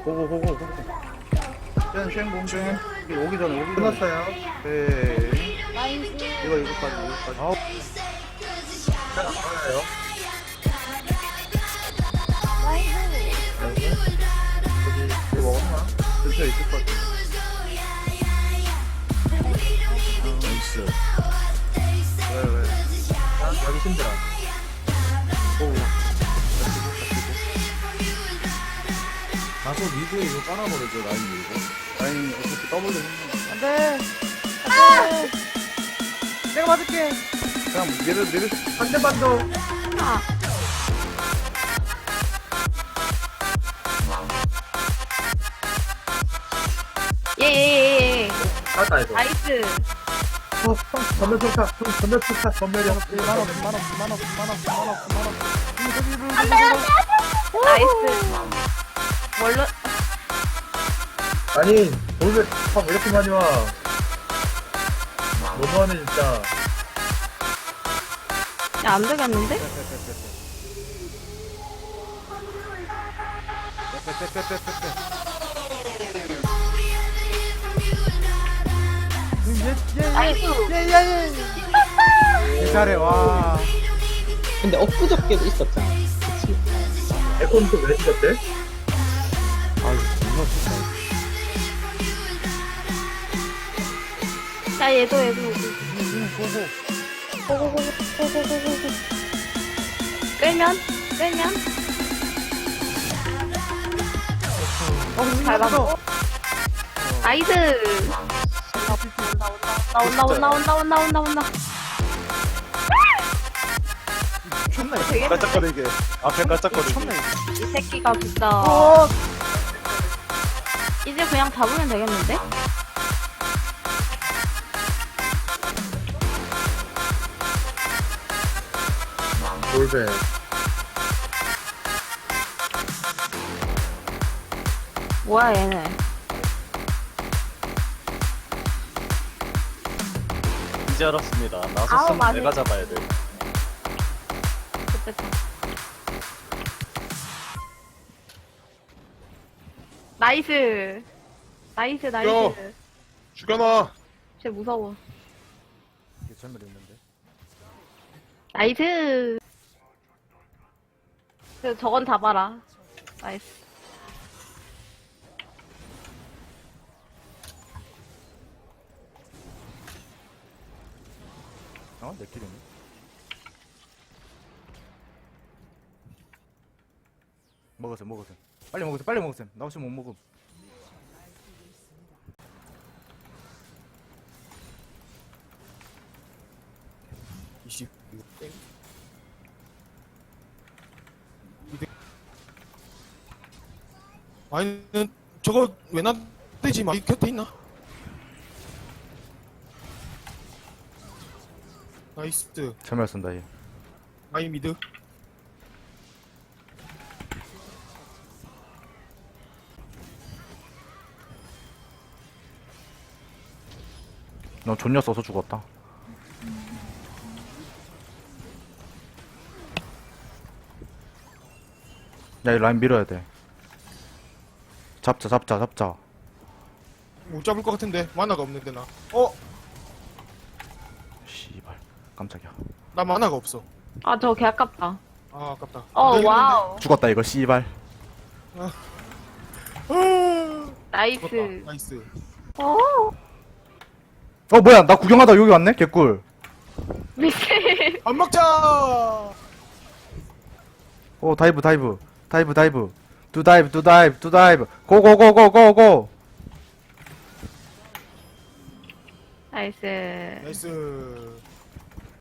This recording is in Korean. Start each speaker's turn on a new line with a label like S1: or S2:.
S1: 고고고고. 쉔 공중. 오기 전에 오기 전에.
S2: 끝났어요.
S1: 네.
S3: 나이스.
S1: 이거까지.
S2: 아우. 잘 나와요.
S3: 나이스.
S1: 이거 먹었나? 근처에 있을 것 같아.
S4: 나이스.
S1: 왜?
S2: 여기 힘들어.
S1: 오.
S4: 가서 미드에 이거 깔아버리죠, 라인 밀고.
S1: 라인 어차피 더블로 했네.
S5: 안 돼! 안 돼! 내가 맞을게!
S1: 그냥 내려.
S2: 한 대만 더.
S3: 아. 예.
S2: 맞다, 이거.
S3: 나이스.
S2: 전멸 평타. 전멸 평타. 전멸이 한
S5: 만 없어.
S3: 나이스. 원로
S2: 아니, 돌배 왜 이렇게 많이 와? 너무하네, 진짜.
S3: 야, 안 되겠는데? 나이스.
S5: 잘해, 와.
S6: 근데 엊그저께도 있었잖아. 그치?
S2: 에코는 또왜 죽었대?
S5: 아유, 존나 좋다.
S3: 야, 얘도.
S5: 고고.
S3: 고고고고. 끌면. 잘 봤어. 나이스. 온다.
S5: 미쳤나, 이거.
S3: 되게
S4: 깔짝거리게. 앞에 깔짝거리게.
S5: 미쳤나, 이거.
S3: 이 새끼가 진짜.
S5: 어!
S3: 이제 그냥 잡으면 되겠는데?
S2: 돌배.
S3: 뭐야 얘네.
S4: 이제 알았습니다.
S3: 아우,
S4: 나섰으면
S3: 맞네.
S4: 내가 잡아야 돼.
S3: 좋겠다. 나이스.
S4: 야. 죽여놔.
S3: 쟤 무서워.
S5: 이게 잘못 있는데.
S3: 나이스. 저건 잡아라. 나이스.
S5: 어? 내 kil이네. 먹었어. 빨리 먹었어. 나 없으면 못 먹음.
S7: 아니 저거 왜 놔대지 마. 이 곁에 있나? 나이스.
S5: 참여 쓴다, 얘.
S7: 아이 미드.
S5: 너 존냐 써서 죽었다. 야, 이 라인 밀어야 돼. 잡자.
S7: 못 잡을 것 같은데 만화가 없는데 나.
S5: 씨발. 깜짝이야.
S7: 나 만화가 없어.
S3: 아, 저 개 아깝다.
S7: 아 아깝다.
S3: 어,
S7: 나
S3: 와우.
S5: 죽었다, 이거, 씨발.
S7: 이겼는데.
S3: 나이스.
S7: 죽었다. 나이스.
S3: 어,
S5: 뭐야, 나 구경하다 여기 왔네? 개꿀.
S3: 미친.
S7: 안 먹자.
S5: 다이브. 두 다이브. 고고고고고고.
S3: 나이스.
S7: 나이스.